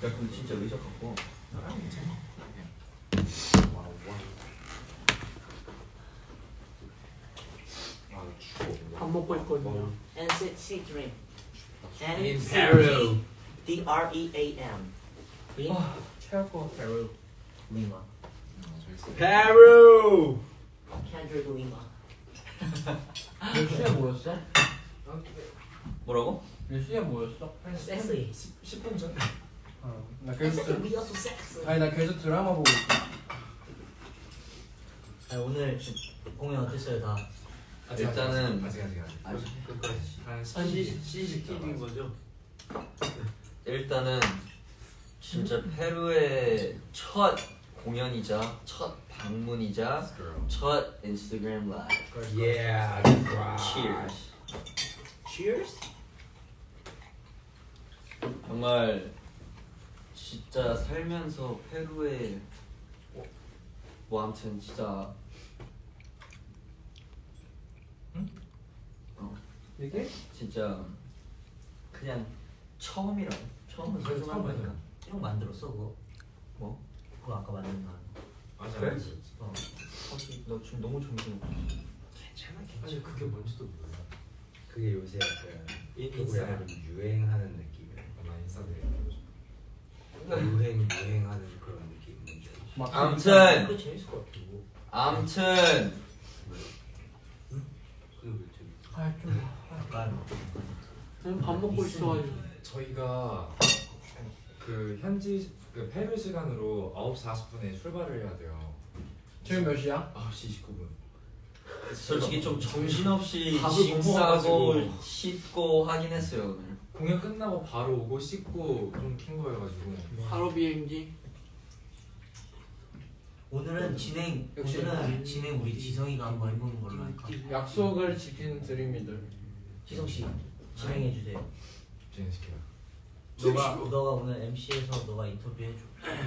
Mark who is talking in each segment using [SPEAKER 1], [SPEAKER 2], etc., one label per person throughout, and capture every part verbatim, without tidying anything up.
[SPEAKER 1] 근데 진짜 의자 갖고.
[SPEAKER 2] 아 괜찮아. 와우 와우. 아 추워.
[SPEAKER 3] 밥 먹고 있거든요.
[SPEAKER 4] 엔시티 드림.
[SPEAKER 2] In Peru.
[SPEAKER 4] D R E A M.
[SPEAKER 3] 아, 체할 것 같아.
[SPEAKER 4] Peru. Lima.
[SPEAKER 1] 페루.
[SPEAKER 4] Kendrick Lima.
[SPEAKER 3] 몇 시에 모였어?
[SPEAKER 1] 뭐라고?
[SPEAKER 3] 몇 시에 모였어?
[SPEAKER 4] Sexy.
[SPEAKER 2] 십 분 전.
[SPEAKER 3] 어, 나 계속
[SPEAKER 4] Sexy.
[SPEAKER 3] 드...
[SPEAKER 4] We also sexy.
[SPEAKER 3] 아니 나 계속 드라마 보고 있어.
[SPEAKER 4] 아니, 오늘 공연 어땠어요 다?
[SPEAKER 1] 일단은
[SPEAKER 2] 아직 아직 아직.
[SPEAKER 1] 아직.
[SPEAKER 2] 한
[SPEAKER 3] 시 씨씨티비인 거죠?
[SPEAKER 1] 일단은 진짜 페루의 첫 공연이자 첫 방문이자 첫 인스타그램 라이브.
[SPEAKER 2] Yeah.
[SPEAKER 1] Cheers.
[SPEAKER 4] Cheers.
[SPEAKER 1] 정말 진짜 살면서 페루에 뭐 아무튼 진짜
[SPEAKER 2] 응?
[SPEAKER 1] 어
[SPEAKER 3] 이게?
[SPEAKER 1] 진짜 그냥 처음이라고. 처음은
[SPEAKER 2] 그래서
[SPEAKER 1] 소중한
[SPEAKER 2] 처음
[SPEAKER 1] 거니까.
[SPEAKER 4] 형 만들었어 그거?
[SPEAKER 1] 뭐?
[SPEAKER 4] 그거 아까 만든 거.
[SPEAKER 2] 맞아.
[SPEAKER 1] 그래?
[SPEAKER 4] 어.
[SPEAKER 1] 사실 나 지금 너무 정신없어.
[SPEAKER 2] 괜찮아 괜찮아. 아니 그게 뭔지도 몰라.
[SPEAKER 5] 그게 요새 약간
[SPEAKER 2] 인싸.
[SPEAKER 5] 약간 좀 유행하는 느낌이야.
[SPEAKER 2] 아마 인싸들.
[SPEAKER 5] 유행 유행하는 그런 느낌.
[SPEAKER 3] 막
[SPEAKER 1] 아무튼
[SPEAKER 4] 그거 재밌을 것 같아. 이거.
[SPEAKER 1] 아무튼
[SPEAKER 5] 그게 왜 재밌어?
[SPEAKER 3] 아좀
[SPEAKER 4] 약간
[SPEAKER 3] 저는 밥 먹고 있어가지고.
[SPEAKER 2] 저희가 그 현지 그 페루 시간으로 아홉 시 사십 분에 출발을 해야 돼요.
[SPEAKER 3] 지금 몇 시야?
[SPEAKER 2] 아홉 시 이십구 분.
[SPEAKER 1] 솔직히 좀 정신없이
[SPEAKER 2] 밥을
[SPEAKER 1] 짐
[SPEAKER 2] 못
[SPEAKER 1] 싸고
[SPEAKER 2] 먹어가지고.
[SPEAKER 1] 씻고 하긴 했어요 오늘.
[SPEAKER 2] 공연 끝나고 바로 오고 씻고 좀 킨 거여가지고.
[SPEAKER 3] 바로 비행기.
[SPEAKER 4] 오늘은 진행
[SPEAKER 3] 역시.
[SPEAKER 4] 오늘은 진행 우리 지성이가 한번 해보는 걸로 할까?
[SPEAKER 3] 약속을 지키는 드림이들.
[SPEAKER 4] 지성 씨 진행해 주세요.
[SPEAKER 2] 진행시켜요.
[SPEAKER 4] 너가 너가 오늘 엠씨에서 너가 인터뷰 해줘.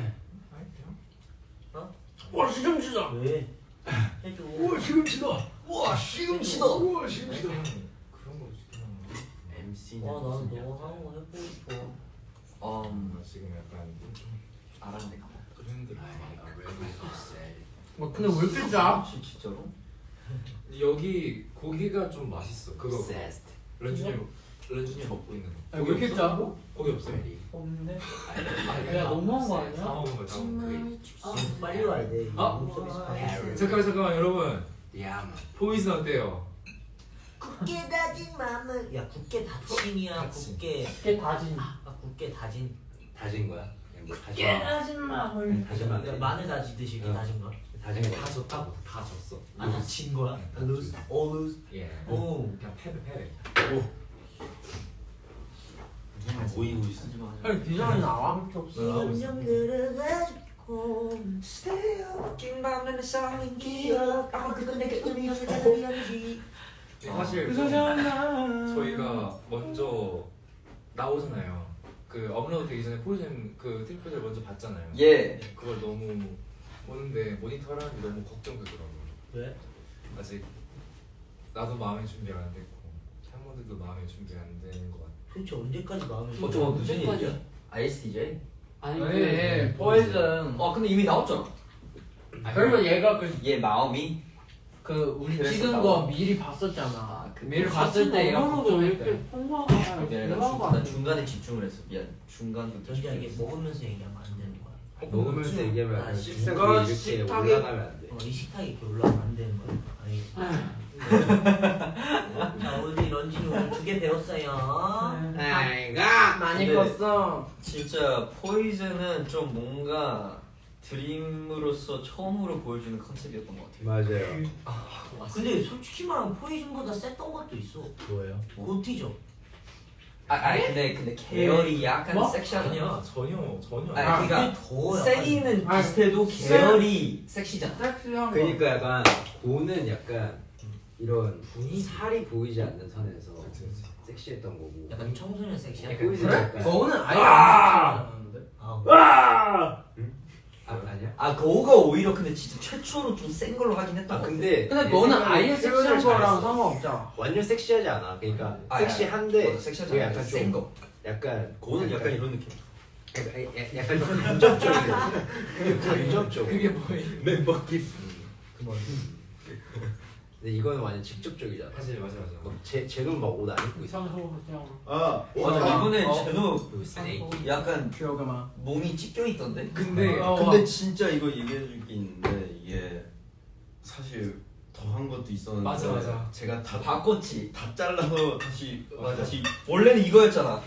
[SPEAKER 4] 어?
[SPEAKER 3] 와 시금치다.
[SPEAKER 4] 왜? 해줘.
[SPEAKER 3] 우와 시금치다.
[SPEAKER 1] 우와 시금치다.
[SPEAKER 3] 우와 시금치다.
[SPEAKER 2] 그런 거 시키는 거.
[SPEAKER 5] 엠씨.
[SPEAKER 4] 와 나는 너 하는 거 해보고 싶어.
[SPEAKER 1] 음
[SPEAKER 2] 나 지금 약간
[SPEAKER 1] 알았네.
[SPEAKER 2] 그랜드.
[SPEAKER 3] 뭐 근데 왜 이렇게 짜?
[SPEAKER 1] 진- 진짜로?
[SPEAKER 2] 여기 고기가 좀 맛있어. 그거 그거.
[SPEAKER 5] Obsessed.
[SPEAKER 2] 런쥔이 런쥔이 먹고 있는 거.
[SPEAKER 3] 아니, 왜 이렇게 짜?
[SPEAKER 2] 고기 없어요?
[SPEAKER 3] 없는데.
[SPEAKER 2] 아,
[SPEAKER 3] 야 너무한 거
[SPEAKER 2] 다
[SPEAKER 3] 아니야?
[SPEAKER 2] 먹은 거다 먹은
[SPEAKER 4] 아 빨리 와야 돼.
[SPEAKER 2] 아?
[SPEAKER 4] 룸 서비스
[SPEAKER 2] 거.
[SPEAKER 4] 받았어.
[SPEAKER 2] 잠깐만 잠깐만 여러분
[SPEAKER 5] 야마.
[SPEAKER 2] 포이즌 어때요?
[SPEAKER 4] 굳게 다진 마음을 야 굳게 다짐이야
[SPEAKER 2] 다짐.
[SPEAKER 4] 굳게
[SPEAKER 3] 이게 다진.
[SPEAKER 4] 아 굳게 다진
[SPEAKER 5] 다진 거야? 그냥 뭐 다진.
[SPEAKER 3] 깨 다진 마늘.
[SPEAKER 5] 다진 마늘.
[SPEAKER 4] 야, 마늘 다지듯이 이렇게
[SPEAKER 5] 응.
[SPEAKER 4] 다진 거야?
[SPEAKER 5] 다진 거.
[SPEAKER 2] 다 졌다고 다 졌어.
[SPEAKER 4] 아 다진 거야? lose all lose
[SPEAKER 2] 예.
[SPEAKER 4] 오
[SPEAKER 2] 그냥 패배 패배.
[SPEAKER 5] 모이고 있어.
[SPEAKER 1] 하지 마.
[SPEAKER 3] 아니 디자인 나와?
[SPEAKER 4] 시간 좀 그려가지고 Stay up 긴 밤에는 쌓인 기억 아마 그건 내게 의미 없는 자들이었지.
[SPEAKER 2] 사실
[SPEAKER 3] 그소잖아.
[SPEAKER 2] 저희가 먼저 나오잖아요. 그 업로드 되기 전에 포이즌 그 트리플을 먼저 봤잖아요.
[SPEAKER 1] 예.
[SPEAKER 2] 그걸 너무 보는데 모니터를 하기 너무 걱정되더라고요.
[SPEAKER 4] 왜?
[SPEAKER 2] 아직 나도 마음의 준비가 안 됐고 팬분들도 마음의 준비가 안 되는 것 같아.
[SPEAKER 4] 도대체 언제까지 마음을
[SPEAKER 1] 어, 저거 무슨 얘기야? 아이에스티제이?
[SPEAKER 3] 아니
[SPEAKER 2] 아니,
[SPEAKER 3] 그 포이즌.
[SPEAKER 1] 어 근데 이미 나왔잖아.
[SPEAKER 3] 그러면 얘가 그,
[SPEAKER 1] 얘 마음이
[SPEAKER 3] 그 우리
[SPEAKER 1] 그래서
[SPEAKER 3] 찍은
[SPEAKER 1] 나와.
[SPEAKER 3] 거 미리 봤었잖아.
[SPEAKER 1] 아, 그
[SPEAKER 3] 미리 봤을 때 얘가 걱정했대.
[SPEAKER 1] 미안해 나, 중, 나 중간에 집중을 했어. 미안. 중간부터
[SPEAKER 4] 전지야 이게
[SPEAKER 1] 집중했어.
[SPEAKER 4] 먹으면서 얘기하면 안 되는 거야.
[SPEAKER 5] 먹으면서 얘기하면
[SPEAKER 4] 아,
[SPEAKER 5] 안 돼.
[SPEAKER 4] 식사가
[SPEAKER 5] 중국이 이렇게
[SPEAKER 3] 식탁에-
[SPEAKER 5] 올라가면 안 돼.
[SPEAKER 4] 어, 이 식탁이 이렇게 올라가면 안 되는 거야. 알겠지? 자 우리 런쥔이 오늘 두 개 배웠어요.
[SPEAKER 5] 아이가
[SPEAKER 3] 많이
[SPEAKER 1] 근데-
[SPEAKER 3] 컸어.
[SPEAKER 1] 진짜 포이즌은 좀 뭔가 드림으로서 처음으로 보여주는 컨셉이었던 것 같아요.
[SPEAKER 5] 맞아요.
[SPEAKER 4] 근데 솔직히 말하면 포이즌보다 셌던 것도 있어.
[SPEAKER 5] 뭐예요?
[SPEAKER 4] 고티죠.
[SPEAKER 1] 아, 아 근데 근데 계열이 약간
[SPEAKER 3] 뭐?
[SPEAKER 1] 섹시하잖아.
[SPEAKER 2] 아니야 전혀 전혀.
[SPEAKER 1] 아니,
[SPEAKER 3] 아,
[SPEAKER 1] 그러니까
[SPEAKER 4] 더
[SPEAKER 1] 세기는
[SPEAKER 3] 아니,
[SPEAKER 1] 비슷해도
[SPEAKER 3] 세-
[SPEAKER 1] 계열이 섹시잖아.
[SPEAKER 3] 섹시한 거.
[SPEAKER 5] 그러니까 약간 고는 약간 이런
[SPEAKER 2] 분위기.
[SPEAKER 5] 살이 보이지 않는 선에서
[SPEAKER 2] 그치, 그치.
[SPEAKER 5] 섹시했던 거고.
[SPEAKER 4] 약간 청소년 섹시한
[SPEAKER 5] 약간
[SPEAKER 4] 거.
[SPEAKER 5] 그래? 약간-
[SPEAKER 3] 너는 아예 안 섹시하지 않았는데?
[SPEAKER 4] 아,
[SPEAKER 5] 아 아니야?
[SPEAKER 1] 아 그거가 오히려 근데 진짜 최초로 좀 센 걸로 하긴 했던
[SPEAKER 5] 아
[SPEAKER 1] 것 같아.
[SPEAKER 5] 근데
[SPEAKER 3] 근데
[SPEAKER 5] 내
[SPEAKER 3] 너는
[SPEAKER 5] 생각에
[SPEAKER 3] 아예
[SPEAKER 5] 표현을
[SPEAKER 3] 섹시한 거랑
[SPEAKER 5] 잘했어.
[SPEAKER 3] 상관없잖아.
[SPEAKER 5] 완전 섹시하지 않아. 그러니까
[SPEAKER 1] 아,
[SPEAKER 5] 섹시한데
[SPEAKER 1] 어, 섹시하지
[SPEAKER 5] 그게
[SPEAKER 1] 않아.
[SPEAKER 5] 약간
[SPEAKER 1] 센
[SPEAKER 5] 좀
[SPEAKER 1] 거.
[SPEAKER 5] 약간
[SPEAKER 1] 그거는 약간 이런 느낌.
[SPEAKER 5] 약간, 약간 간접적이에요. 그게 간접적.
[SPEAKER 3] 그게 뭐예요?
[SPEAKER 5] 멤버 기스. 근데 이거는 완전 직접적이잖아.
[SPEAKER 2] 사실 맞아 맞아.
[SPEAKER 5] 제 제노 막 옷 안 입고 있어.
[SPEAKER 3] 이상소 그냥
[SPEAKER 1] 아 맞아 이번에
[SPEAKER 3] 어.
[SPEAKER 1] 제노
[SPEAKER 3] 이상소
[SPEAKER 1] 약간
[SPEAKER 3] 기억아마.
[SPEAKER 1] 몸이 찢겨 있던데.
[SPEAKER 6] 근데
[SPEAKER 3] 어,
[SPEAKER 6] 근데
[SPEAKER 3] 와.
[SPEAKER 6] 진짜 이거 얘기해줄 게 있는데 이게 사실 더한 것도 있었는데
[SPEAKER 2] 맞아, 맞아.
[SPEAKER 6] 제가 다
[SPEAKER 1] 바꿨지.
[SPEAKER 6] 다 잘라서 다시
[SPEAKER 1] 맞아.
[SPEAKER 6] 다시
[SPEAKER 1] 원래는 이거였잖아.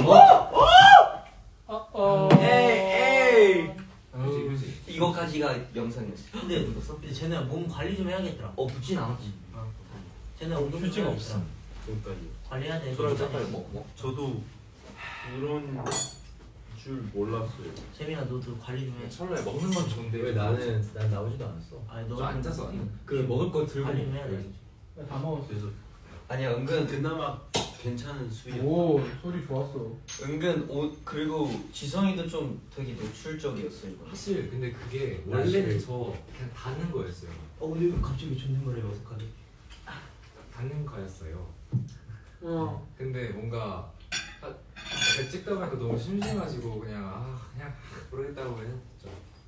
[SPEAKER 3] 어 어.
[SPEAKER 1] 에이 에이.
[SPEAKER 2] 그지 그지.
[SPEAKER 1] 이거까지가 영상이었어.
[SPEAKER 4] 근데 근데 쟤네 몸 관리 좀 해야겠더라.
[SPEAKER 1] 어 붙진 않았지.
[SPEAKER 4] 쟤네 운동 좀
[SPEAKER 6] 휴지가
[SPEAKER 4] 해야겠더라.
[SPEAKER 6] 없어. 그러니까요.
[SPEAKER 4] 관리해야 돼.
[SPEAKER 1] 그럴 때 빨리 먹고.
[SPEAKER 6] 저도 그런 줄 몰랐어요.
[SPEAKER 4] 재민아 너도 관리 좀 해.
[SPEAKER 2] 철로에 먹는 건 좋은데
[SPEAKER 5] 왜 나는 난 나오지도 않았어.
[SPEAKER 4] 아니 너
[SPEAKER 2] 저 앉아서 아니.
[SPEAKER 5] 그 먹을 거 들고.
[SPEAKER 4] 관리 좀 해야 돼.
[SPEAKER 3] 다 먹었어.
[SPEAKER 6] 그래서
[SPEAKER 1] 아니야 은근
[SPEAKER 6] 그나마 괜찮은 수위.
[SPEAKER 3] 오 소리 좋았어.
[SPEAKER 1] 은근 옷 그리고 지성이도 좀 되게 노출적이었어 이거.
[SPEAKER 2] 사실 근데 그게
[SPEAKER 5] 나
[SPEAKER 2] 원래는
[SPEAKER 5] 사실-
[SPEAKER 2] 저 그냥 닿는 거였어요.
[SPEAKER 4] 어 근데 이거 갑자기 존댓말이 어색하네.
[SPEAKER 2] 닿는 거였어요.
[SPEAKER 3] 어.
[SPEAKER 2] 근데 뭔가 아, 약간 찍다 보니까 너무 심심해가지고 그냥 아 그냥 모르겠다고 했죠.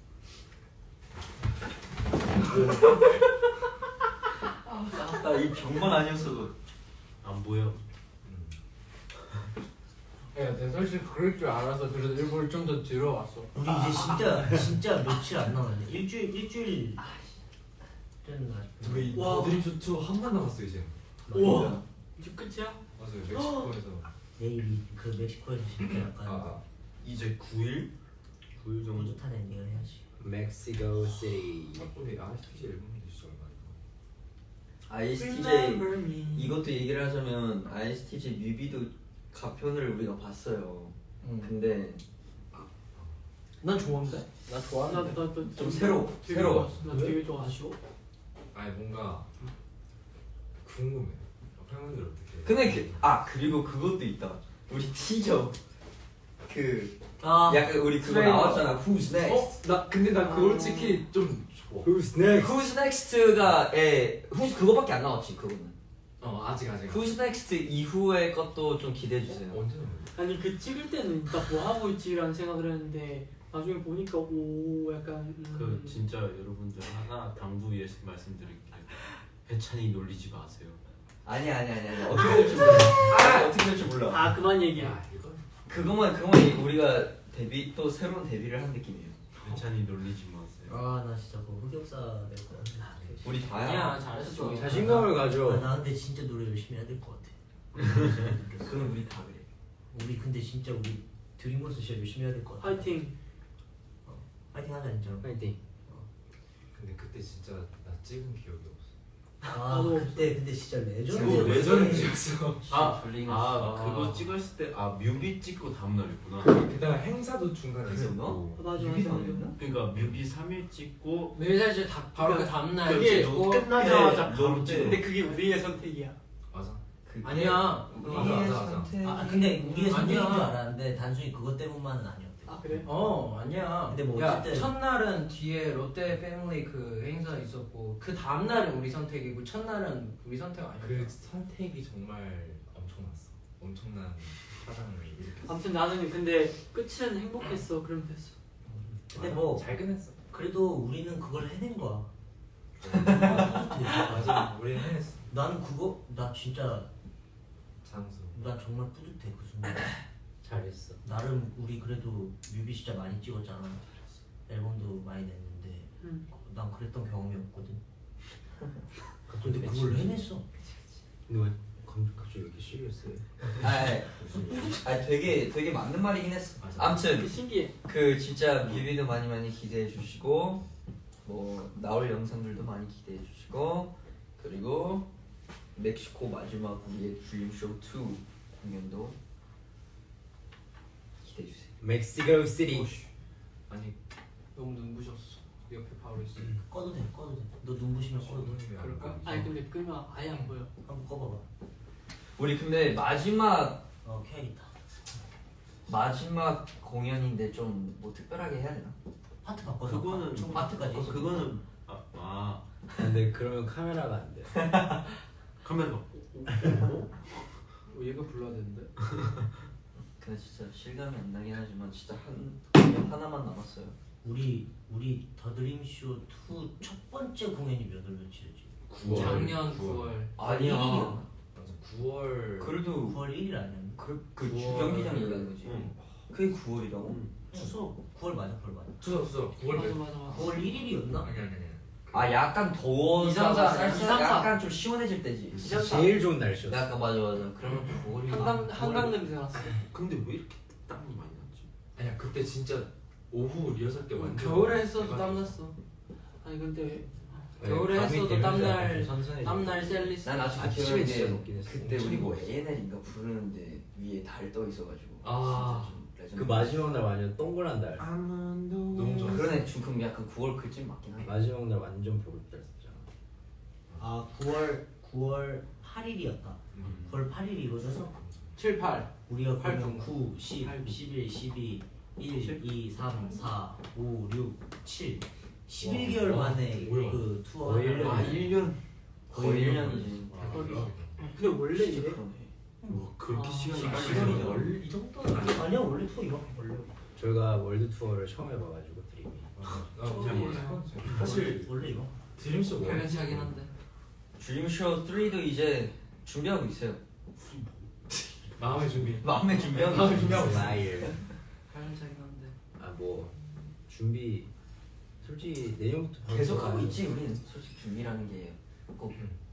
[SPEAKER 1] 나이 병만 아니었어도.
[SPEAKER 6] 안 보여.
[SPEAKER 3] 야, 내 솔직히 그럴 줄 알아서 그래서 일부러 좀 더 뒤로 왔어.
[SPEAKER 4] 우리 이제 진짜 진짜 며칠 안 남았네. 일주일 일주일 되는 거 같아.
[SPEAKER 2] 저희
[SPEAKER 4] 와.
[SPEAKER 2] 더드림쇼 투 한 번 남았어요 이제.
[SPEAKER 4] 우와.
[SPEAKER 3] 이제 끝이야?
[SPEAKER 2] 맞아요 멕시코에서.
[SPEAKER 4] 내일이 그 멕시코에서 진짜 약간
[SPEAKER 2] 아,
[SPEAKER 6] 이제 구 일? 구 일 정도.
[SPEAKER 4] 뿌듯한 엔딩을 해야지.
[SPEAKER 5] 멕시코 시티.
[SPEAKER 2] 아 우리 아이스티제 앨범도 진짜 얼마
[SPEAKER 1] 아이에스티제이 이것도 얘기를 하자면 아이에스티제이 뮤비도 가편을 우리가 봤어요.
[SPEAKER 3] 응.
[SPEAKER 1] 근데
[SPEAKER 3] 난 좋은데? 나 좋아하는데. 나나좀
[SPEAKER 1] 좀 새로워. 새로워.
[SPEAKER 3] 나 되게 좋아. 아쉬워.
[SPEAKER 2] 아니 뭔가 궁금해. 팬분들 어떻게?
[SPEAKER 1] 근데 그, 아 그리고 그것도 있다. 우리 티저 그
[SPEAKER 4] 아
[SPEAKER 1] 약간 우리 그거
[SPEAKER 3] 트레일러.
[SPEAKER 1] 나왔잖아. Who's Next?
[SPEAKER 2] 어? 나 근데 나 그거 솔직히 좀 좋아.
[SPEAKER 5] Who's next?
[SPEAKER 1] Who's Next가 에 Who's 그거밖에 안 나왔지 그거는.
[SPEAKER 2] 어 아직 아직.
[SPEAKER 1] Who's Next 이후의 것도 좀 기대해 주세요.
[SPEAKER 2] 언제 나오는
[SPEAKER 7] 아니 그 찍을 때는 나 뭐 하고 있지라는 생각을 했는데 나중에 보니까 오 약간 음,
[SPEAKER 6] 그 진짜 여러분들 하나 당부 위해서 말씀드릴게요. 해찬이 놀리지 마세요.
[SPEAKER 1] 아니 아니 아니 아니 어떻게 될지 몰라. 아 어떻게 될지 몰라.
[SPEAKER 7] 아 그만 얘기해.
[SPEAKER 2] 야 이거
[SPEAKER 1] 그것만 그것만 얘기- 우리가 데뷔 또 새로운 데뷔를 한 느낌이에요.
[SPEAKER 6] 해찬이 놀리지 마세요.
[SPEAKER 4] 아 나 진짜 그 흑역사 될 것 같아.
[SPEAKER 1] 우리 다야.
[SPEAKER 3] 아니야 잘했어.
[SPEAKER 5] 자신감을
[SPEAKER 4] 아,
[SPEAKER 5] 가져.
[SPEAKER 4] 나 근데 진짜 노래 열심히 해야 될 것 같아.
[SPEAKER 1] 그건 우리 다 그래.
[SPEAKER 4] 우리 근데 진짜 우리 드림걸스 진짜 열심히 해야 될 것 같아.
[SPEAKER 7] 파이팅.
[SPEAKER 4] 파이팅 하자 진짜.
[SPEAKER 5] 파이팅.
[SPEAKER 2] 근데 그때 진짜 나 찍은 기억이 없어.
[SPEAKER 4] 아
[SPEAKER 7] 나도
[SPEAKER 4] 그때 근데 진짜 레전드.
[SPEAKER 6] 그거
[SPEAKER 2] 레전드였어.
[SPEAKER 6] 아,
[SPEAKER 1] 블링
[SPEAKER 6] 아,
[SPEAKER 2] 아.
[SPEAKER 6] 그거 찍었을 때 아 뮤비 찍고 다음 날이구나.
[SPEAKER 2] 게다가 행사도 중간에
[SPEAKER 1] 그랬나?
[SPEAKER 2] 있었고.
[SPEAKER 7] 맞아
[SPEAKER 1] 뮤비도
[SPEAKER 7] 맞아.
[SPEAKER 1] 안 됐나?
[SPEAKER 6] 그러니까 뮤비 삼 일 찍고
[SPEAKER 3] 매일 사실 다 바로 그 다음날
[SPEAKER 6] 그게
[SPEAKER 3] 찍고.
[SPEAKER 6] 끝나자마자
[SPEAKER 1] 네,
[SPEAKER 6] 바로
[SPEAKER 1] 네.
[SPEAKER 6] 찍어.
[SPEAKER 7] 근데 그게 우리의 선택이야.
[SPEAKER 2] 맞아.
[SPEAKER 1] 그게
[SPEAKER 3] 아니야.
[SPEAKER 1] 우리의
[SPEAKER 2] 맞아, 맞아, 맞아.
[SPEAKER 1] 선택이-
[SPEAKER 4] 아 근데 우리의 선택인 줄
[SPEAKER 3] 아니야.
[SPEAKER 4] 알았는데 단순히 그것 때문만은 아니었대.
[SPEAKER 7] 아 그래?
[SPEAKER 3] 어 아니야.
[SPEAKER 4] 근데 뭐
[SPEAKER 3] 야,
[SPEAKER 4] 어쨌든-
[SPEAKER 3] 첫날은 뒤에 롯데 패밀리 그 행사 있었고 그 다음 날은 우리 선택이고 첫날은 우리 선택 아니야.
[SPEAKER 2] 그 선택이 정말 엄청났어. 엄청난 사랑을 일으켰어.
[SPEAKER 7] 아무튼 나는 근데 끝은 행복했어. 그럼 됐어.
[SPEAKER 4] 근데 뭐
[SPEAKER 2] 잘 끝냈어.
[SPEAKER 4] 그래도 우리는 그걸 해낸 거야.
[SPEAKER 2] 맞아. 우리 해냈어.
[SPEAKER 4] 나는 그거 나 진짜
[SPEAKER 2] 장수.
[SPEAKER 4] 나 정말 뿌듯해 그 순간.
[SPEAKER 5] 잘했어.
[SPEAKER 4] 나름 우리 그래도 뮤비 진짜 많이 찍었잖아. 앨범도 많이 냈는데
[SPEAKER 7] 응.
[SPEAKER 4] 난 그랬던 경험이 없거든. 근데 그걸 해냈어.
[SPEAKER 5] 근데 왜 감- 갑자기 왜 이렇게 시리어스해?
[SPEAKER 1] 아, 아니, 아니 되게 되게 맞는 말이긴 했어. 아무튼
[SPEAKER 7] 신기해.
[SPEAKER 1] 그 진짜 뮤비도 많이 많이 기대해 주시고 뭐 나올 영상들도 많이 기대해 주시고 그리고 멕시코 마지막 우리의 드림쇼 투 공연도 기대해 주세요.
[SPEAKER 5] 멕시코 시티.
[SPEAKER 2] 아니
[SPEAKER 3] 너무 눈부셨어. 옆에 바로 있어.
[SPEAKER 4] 꺼도 돼, 꺼도 돼. 너 눈부시면 꺼도 돼.
[SPEAKER 3] 그럴까?
[SPEAKER 7] 아니 근데 끄면 아예 안 보여.
[SPEAKER 4] 한번 꺼봐봐.
[SPEAKER 1] 우리 근데 마지막
[SPEAKER 4] 어, 켜야겠다.
[SPEAKER 1] 마지막 공연인데 좀 뭐 특별하게 해야 되나?
[SPEAKER 4] 파트 바꿔서.
[SPEAKER 6] 그거는
[SPEAKER 4] 총 파트까지.
[SPEAKER 6] 어, 그거는 아, 아
[SPEAKER 5] 근데 그러면 카메라가 안 돼.
[SPEAKER 6] 카메라
[SPEAKER 3] 어, 얘가 불러야 되는데.
[SPEAKER 1] 그 진짜 실감이 안 나긴 하지만 진짜 한 공연 하나만 남았어요.
[SPEAKER 4] 우리 우리 더드림쇼 투 첫 번째 공연이 몇 월 며칠이지?
[SPEAKER 2] 구월.
[SPEAKER 3] 작년 구월.
[SPEAKER 1] 아니야.
[SPEAKER 2] 맞아. 구월.
[SPEAKER 1] 그래도
[SPEAKER 4] 구월 일 일 아니었나?
[SPEAKER 1] 그, 그
[SPEAKER 2] 구월.
[SPEAKER 1] 주경기장 얘기하는 거지.
[SPEAKER 6] 응.
[SPEAKER 1] 그게 구월이라고?
[SPEAKER 4] 추석 구월 맞아 구월 맞아.
[SPEAKER 2] 추석 추석 구월
[SPEAKER 7] 맞아
[SPEAKER 2] 몇?
[SPEAKER 7] 맞아 맞아.
[SPEAKER 4] 구월 일 일이었나?
[SPEAKER 2] 아니 아니 아니.
[SPEAKER 1] 아 약간 더워서
[SPEAKER 3] 이삼사,
[SPEAKER 1] 쌀쌀
[SPEAKER 3] 이삼사.
[SPEAKER 1] 약간 좀 시원해질 때지.
[SPEAKER 7] 이삼사.
[SPEAKER 5] 제일 좋은 날씨였어.
[SPEAKER 1] 약간 맞아 맞아. 그러면 구월이
[SPEAKER 7] 한강 한강 냄새 났어.
[SPEAKER 6] 근데 왜 이렇게 땀이 많이 났지?
[SPEAKER 2] 아니야 그때 진짜 오후 리허설 때 완전.
[SPEAKER 3] 겨울에 했어도
[SPEAKER 2] 해가지고.
[SPEAKER 3] 땀났어.
[SPEAKER 7] 아니 근데
[SPEAKER 3] 겨울에
[SPEAKER 5] 밤이
[SPEAKER 3] 했어도
[SPEAKER 5] 되면서
[SPEAKER 3] 땀날-
[SPEAKER 5] 약간 선선해지고.
[SPEAKER 3] 땀날 셀리스.
[SPEAKER 1] 난 아직도
[SPEAKER 5] 아침에
[SPEAKER 1] 기억나는
[SPEAKER 5] 진짜
[SPEAKER 1] 게
[SPEAKER 5] 높긴 했어.
[SPEAKER 1] 그때 우리 뭐 에이엔엘인가 부르는데 위에 달 떠 있어가지고
[SPEAKER 2] 아.
[SPEAKER 1] 진짜 좀 레전드.
[SPEAKER 5] 그 마지막 날 완전 동그란 달.
[SPEAKER 2] 너무 좋았어.
[SPEAKER 1] 그러네 지금 약간 구월 그쯤 맞긴 하네.
[SPEAKER 5] 마지막 날 완전 보글달했잖아.
[SPEAKER 4] 아 구월 구월 팔 일이었다.
[SPEAKER 2] 음.
[SPEAKER 4] 구월 팔 일이 이루어져서
[SPEAKER 3] 칠, 팔.
[SPEAKER 4] 우리가
[SPEAKER 3] 팔
[SPEAKER 4] 그러면
[SPEAKER 3] 분.
[SPEAKER 4] 구, 십, 십일, 십이, 일, 이, 삼, 사, 오, 육, 칠 십일 개월
[SPEAKER 2] 와,
[SPEAKER 4] 만에
[SPEAKER 2] 뭐야.
[SPEAKER 4] 그 투어
[SPEAKER 5] 거의
[SPEAKER 4] 하나를
[SPEAKER 5] 일 년.
[SPEAKER 1] 아 일 년 거의
[SPEAKER 4] 거의
[SPEAKER 1] 일
[SPEAKER 4] 일
[SPEAKER 1] 년이지.
[SPEAKER 2] 아,
[SPEAKER 7] 근데 원래
[SPEAKER 1] 진짜
[SPEAKER 7] 이래?
[SPEAKER 1] 그러네.
[SPEAKER 6] 뭐 그렇게
[SPEAKER 7] 아,
[SPEAKER 6] 시간이
[SPEAKER 2] 시간이
[SPEAKER 6] 빨리
[SPEAKER 2] 시간이
[SPEAKER 6] 가냐?
[SPEAKER 2] 월- 이 정도는 아니야.
[SPEAKER 4] 아니야 원래 투어 이만큼 걸려.
[SPEAKER 5] 저희가 월드 투어를 처음 해봐가지고 드림이.
[SPEAKER 2] 나잘 몰라. 사실
[SPEAKER 4] 원래 이만큼.
[SPEAKER 2] 드림쇼 뭐?
[SPEAKER 3] 별년치 하긴 한데.
[SPEAKER 1] 드림쇼 삼도 이제 준비하고 있어요.
[SPEAKER 2] 마음의 준비.
[SPEAKER 1] 마음의 준비하고
[SPEAKER 2] 마음의
[SPEAKER 1] 있어요.
[SPEAKER 2] 준비하고 있어.
[SPEAKER 5] 라일.
[SPEAKER 3] 별년치 하긴 한데.
[SPEAKER 5] 아뭐 준비 솔직히 내년부터
[SPEAKER 1] 계속
[SPEAKER 5] 바로
[SPEAKER 1] 하고
[SPEAKER 5] 들어가야
[SPEAKER 1] 있지 우리는 솔직히 준비라는 게꼭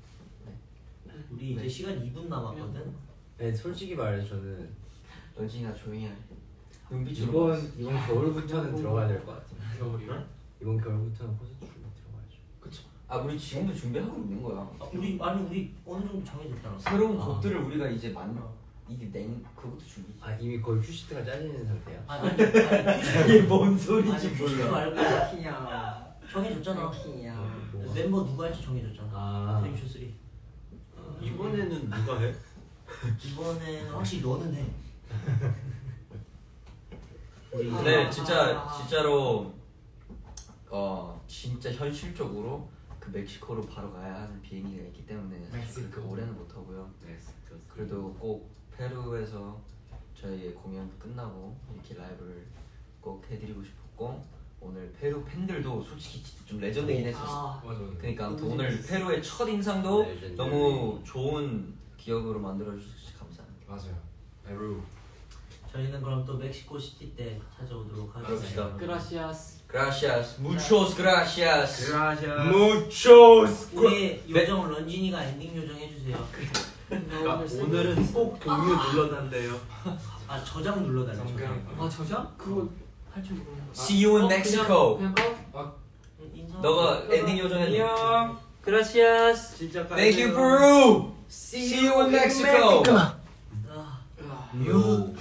[SPEAKER 4] 우리 이제
[SPEAKER 1] 네.
[SPEAKER 4] 시간 이 분 남았거든.
[SPEAKER 5] 네, 솔직히 말해서 저는
[SPEAKER 1] 런쥔이가 조용히 해. 눈빛으로
[SPEAKER 5] 이번
[SPEAKER 1] 봤어.
[SPEAKER 5] 이번 겨울부터는 들어가야 될 것 같아.
[SPEAKER 2] 겨울이요?
[SPEAKER 5] 이번 겨울부터는 콘서트 준비 들어가야죠.
[SPEAKER 1] 아 우리 지금도 준비하고 있는 거야.
[SPEAKER 4] 아, 우리 아니 우리 어느 정도 정해졌잖아.
[SPEAKER 1] 새로운
[SPEAKER 5] 아.
[SPEAKER 1] 곡들을 우리가 이제 만 이게 냉 그것도 준비.
[SPEAKER 5] 아 이미 거의 큐시트가 짜지는 상태야.
[SPEAKER 4] 아니 아니 아니
[SPEAKER 1] 이게 뭔
[SPEAKER 4] 아니
[SPEAKER 1] 소리지
[SPEAKER 4] 큐시트 말고
[SPEAKER 3] 키야.
[SPEAKER 4] 정해졌잖아.
[SPEAKER 3] 키야.
[SPEAKER 5] 뭐.
[SPEAKER 4] 멤버 누가 할지 정해졌잖아.
[SPEAKER 5] 아
[SPEAKER 4] 드림쇼 삼.
[SPEAKER 6] 이번에는 누가 해?
[SPEAKER 4] 이번에는 확실히 너는 해. 우리
[SPEAKER 1] 네 진짜 진짜로 어 진짜 현실적으로 그 멕시코로 바로 가야 하는 비행기가 있기 때문에 사실 그 올해는 못 하고요.
[SPEAKER 6] 네,
[SPEAKER 1] 그래도 꼭 페루에서 저희의 공연 끝나고 이렇게 라이브를 꼭 해드리고 싶었고 오늘 페루 팬들도 솔직히 진짜 좀 레전드긴 했었어.
[SPEAKER 7] 아
[SPEAKER 2] 맞아. 맞아.
[SPEAKER 1] 그러니까 또 오늘 페루의 첫 인상도
[SPEAKER 5] 레전드.
[SPEAKER 1] 너무 좋은 기억으로 만들어 주셔서 감사합니다.
[SPEAKER 2] 맞아요. 페루.
[SPEAKER 4] 저희는 그럼 또 멕시코 시티 때 찾아오도록 하겠습니다.
[SPEAKER 1] 그럽시다.
[SPEAKER 7] 그라시아스.
[SPEAKER 1] Gracias, muchos gracias.
[SPEAKER 6] 그라샤.
[SPEAKER 1] Muchos.
[SPEAKER 4] 우리 요정 런쥔이가 엔딩 요정 해주세요.
[SPEAKER 6] 그러니까 오늘은 꼭 동료 눌러달래요.
[SPEAKER 4] 아 저장 눌러달래.
[SPEAKER 2] 정강.
[SPEAKER 4] 저장.
[SPEAKER 7] 아 저자? 그거 할 줄 모르는 거.
[SPEAKER 1] See you in
[SPEAKER 7] 어,
[SPEAKER 1] Mexico.
[SPEAKER 7] 그냥, 그냥 꺼?
[SPEAKER 4] 응, 인사.
[SPEAKER 1] 너가 엔딩 요정해.
[SPEAKER 2] 안녕.
[SPEAKER 7] 그라시아스.
[SPEAKER 6] 진짜
[SPEAKER 1] Thank you, Peru. See you in Mexico.
[SPEAKER 4] 아.
[SPEAKER 7] 아.
[SPEAKER 1] You